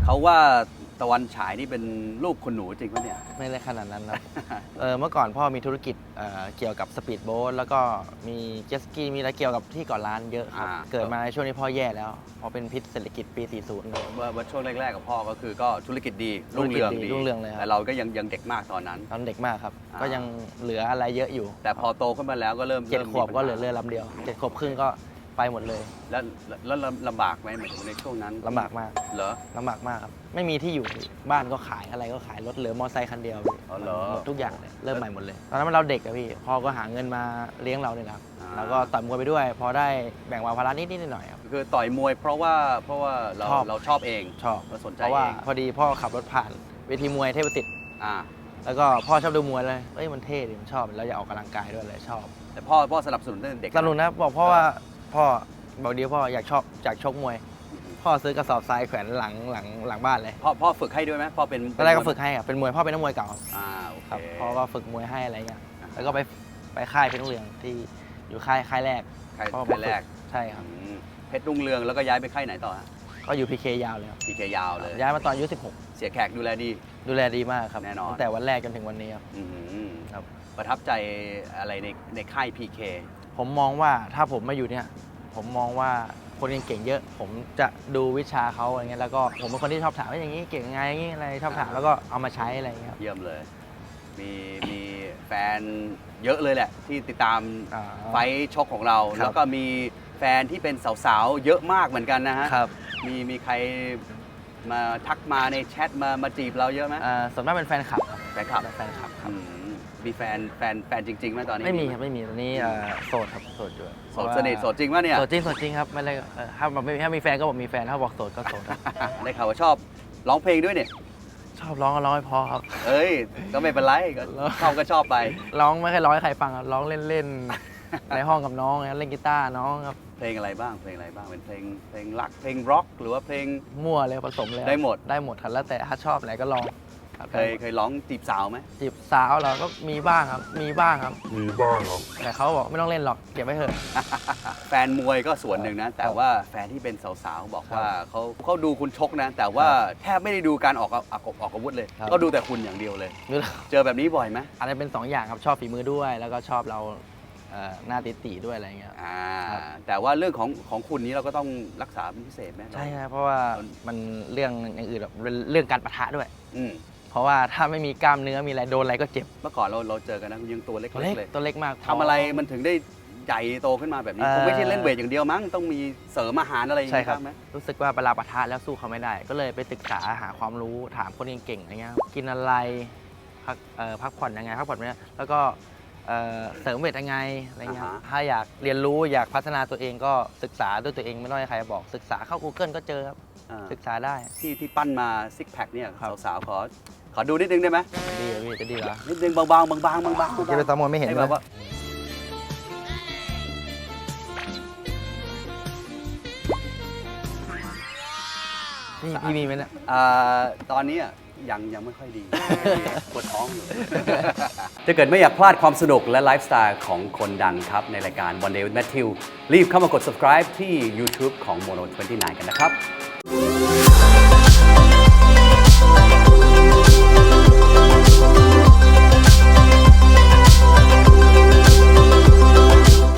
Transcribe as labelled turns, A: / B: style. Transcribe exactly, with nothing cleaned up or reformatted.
A: เขาว่าตะวันฉายนี่เป็นลูกคุณหนูจริงปะเนี่ย
B: ไม่ได้ขนาดนั้นครับ เออเมื่อก่อนพ่อมีธุรกิจเอ่อเกี่ยวกับสปีดโบ๊ทแล้วก็มีเจ็ตสกีมีอะไรเกี่ยวกับที่ก่อร้านเยอะครับ
A: อ่า
B: เกิดมาในช่วงนี้พ่อแย่แล้วเพราะเป็นพิษเศรษฐกิจปี สี่สิบ
A: เมื่อเมื่อช่วงแรกๆกับพ่อก็คือก็ธุรกิจดีรุ่ง
B: ธุรกิจ
A: เรือง
B: ดี
A: ดี
B: รุ่งเรืองเลยครับ
A: แต่เราก็ยังยังเด็กมากตอนนั้น
B: ตอนเด็กมากครับ
A: อ่า
B: ก็ยังเหลืออะไรเยอะอยู่
A: แต่พอโตขึ้นมาแล้วก็เริ่ม
B: เจ็ด
A: ริ่ม
B: ขวบ
A: มี
B: ก็
A: ปัญา
B: เหลือเรือลำเดียวเจ็ดขวบครึ่งก็ไปหมดเลย
A: แล้วแล้วแล้วลำบากไหมหมายถึงในช่วงนั้น
B: ลำบากมาก
A: เหรอ
B: ลำบากมากครับไม่มีที่อยู่บ้านก็ขายอะไรก็ขายรถเหลือมอไซค์คันเดียวพี่
A: อ๋อเหรอ
B: หมดทุกอย่างเลยเริ่มใหม่หมดเลยตอนนั้นเราเด็กอะพี่พ่อก็หาเงินมาเลี้ยงเราเนี่ยนะครับ
A: อ่า
B: แล้วก็ต่อยมวยไปด้วย พอได้แบ่งเบาภาระนิดนิดหน่อยๆครับ
A: คือต่อยมวยเพราะว่าเพราะว่าเรา
B: ชอบ
A: เราชอบเอง
B: ชอบ
A: เราสนใจ
B: เพราะว่า
A: เอง
B: พอดีพ่อขับรถผ่านเวทีมวยเทพประสิทธิ์
A: อ่า
B: แล้วก็พ่อชอบดูมวยเลยเอ้ยมันเท่ดิมันชอบแล้วอยากออกกำลังกายด้วยเลยชอบ
A: แต่พ่อพ่อสนับสนุนตั้งแต่เด็ก
B: สนุนนะบอกพ่อว่าพ่อบอกเดียวพ่ออยากชอบอยากชกมวย พ่อซื้อกระสอบทรายแขวนหลังหลังหลังบ้านเลย
A: พ่อพ่อฝึกให้ด้วยไหมพ่อเป็น
B: ตอนแรกก็ฝึกให้อะเป็นมวยพ่อเป็นนักมวยเก่า
A: อ่าโอเค
B: ครับพ่อก็ฝึกมวยให้อะไรเงี้ยแล้วก็ไปไปค่ายเพชรรุ่งเรืองที่อยู่ค่ายค่ายแรก
A: ใคร
B: พ่อ
A: ใครแรก
B: ใช่ครับ
A: อืมเพชรรุ่งเรืองแล้วก็ย้ายไปค่ายไหนต่อฮะ
B: ก็อยู่พีเคยาวเลยครับ
A: พีเคยาวเลย
B: ย้ายมาตอนอายุสิบหก
A: เสียแขกดูแลดี
B: ดูแลดีมากครับ
A: แน่นอน
B: ตั้งแต่วันแรกจนถึงวันนี้ครับ
A: อืม
B: ครับ
A: ประทับใจอะไรในในค่าย พี เค
B: ผมมองว่าถ้าผมมาอยู่เนี่ยผมมองว่าคนเก่งๆเยอะ ผมจะดูวิชาเขาอะไรเงี้ยแล้วก็ผมเป็นคนที่ชอบถามว่าอย่างนี้เก่งไงอย่างนี้อะไรชอบถามแล้วก็เอามาใช้อะไรเงี้ยครับ
A: เยี่ยมเลย มีมีแฟนเยอะเลยแหละ ที่ติดตาม
B: อ่า
A: ไฟท์ชกของเรา
B: ครับ
A: แล้วก็มีแฟนที่เป็นสาวๆ เยอะมากเหมือนกันนะฮะ
B: ครับ
A: มีมีใครมาทักมาในแชทมามาจีบเราเยอะไหม
B: อ่าส่วนมากเป็นแฟนคลับครับ
A: แฟนคลับ
B: แฟนคลับครับ
A: อืมมีแฟนแฟนแฟนจริงๆไหมตอนนี้
B: ไม่มีครับไม่มีตอนนี้เอ่อโสดครับโสดอยู่
A: โสดสนิทโสดจริงป่ะเนี่ย
B: โสดจริงโสดจริงครับไม่เลยเอ่อถ้าบอกไม่ถ้ามีแฟนก็บอกมีแฟนถ้าบอกโสดก็โสดครับ
A: ได้ข่าวว่าชอบร้องเพลงด้วยเนี่ย
B: ชอบร้องก็ร้องให้เพอครับ
A: เอ้ย ก็ไม่เป็นไรก็ชอบก็ชอบไป
B: ร้องไม่เคยร้องให้ใครฟังครับร้องเล่นๆ ในห้องกับน้องนะครับเล่นกีตาร์น้องครับ
A: เพลงอะไรบ้างเพลงอะไรบ้างเป็นเพลงเพลงรักเพลงร็อกหรือว่าเพลง
B: มั่วเลยผสมเลยครับ
A: ได้หมด
B: ได้หมดครับแล้วแต่ถ้าชอบอะไรก็ลองครับ
A: เคยเคยร้องจีบสาวไหม
B: จีบสาวเราก็มีบ้างครับมีบ้างครับ
C: มีบ้างครับ
B: แต่เขาบอกไม่ต้องเล่นหรอกเก็บไว้เถอะ
A: แฟนมวยก็ส่วนหนึ่งนะ แต่ว่าแฟนที่เป็นสาวๆบอกว่าเขาเขาดูคุณชกนะ แต่ว่าแทบไม่ได้ดูการออกออกออกอาวุธเลย
B: ครับ
A: ก็ดูแต่คุณอย่างเดียวเลย
B: ดูแล้ว
A: เจอแบบนี้บ่อยไหม
B: อาจจะเป็นสองอย่างครับชอบฝีมือด้วย แล้วก็ชอบเราเอ่อหน้าติตีๆด้วยอะไรเงี้ย
A: อ่า
B: ครับ
A: แต่ว่าเรื่องของของคุณนี้เราก็ต้องรักษาเป็นพิเศษไหม
B: ใช่ครับเพราะว่ามันเรื่องอย่างอื่นแบบเรื่องการปะทะด้วย
A: อืม
B: เพราะว่าถ้าไม่มีกล้ามเนื้อมีอะไรโดนอะไรก็เจ็บ
A: เมื่อก่อนเราเราเจอกันนะคุณยังตัวเล็ก
B: ตัว
A: ๆ
B: เล็ก
A: เลย
B: ตัวเล็กมาก
A: ทำอะไรมันถึงได้ใหญ่โตขึ้นมาแบบนี้
B: เอ่อ
A: คงไม่ใช่เล่นเวทอย่างเดียวมั้งต้องมีเสริมอาหารอะไรอย่าง
B: ใช่
A: นี้
B: ครับ
A: บ้างไหม
B: รู้สึกว่าเวลาปะทะแล้วสู้เขาไม่ได้ ก็เลยไปศึกษาหาความรู้ถามคนเก่งๆอะไรเงี้ยกินอะไรพักเอ่อพักผ่อนยังไงพักผ่อนไม่ได้แล้วก็เอ่อเสริมเวทยังไงอะไรเงี้ยถ้าอยากเรียนรู้อยากพัฒนาตัวเองก็ศึกษาด้วยตัวเองไม่ต้องให้ใครบอกศึกษาเข้า Google ก็เจอครับ
A: อ่า
B: ศึกษาได้
A: ที่ที่ปั้นมาซิกแพคเนี่ย
B: ครับ
A: สาวๆขอขอดูนิดนึงได้ไหม
B: ดีเหรอพี่จะดีเหรอ
A: นิดนึงบางๆบางๆบางๆบางๆ
B: จะไปตามมวยไม่เห็น
A: ให้
B: เล
A: แบ
B: ย
A: บว่า
B: นี่พี่มีไหมเนี่ย
A: อ่าตอนนี้อ่ะยังยังไม่ค่อยดี ปวดท้องอยู่ ถ้าเกิดไม่อยากพลาดความสนุกและไลฟ์สไตล์ของคนดังครับ ในรายการ One Day with Matthew รีบเข้ามากด subscribe ที่ YouTube ของ Mono ยี่สิบเก้า กันนะครับ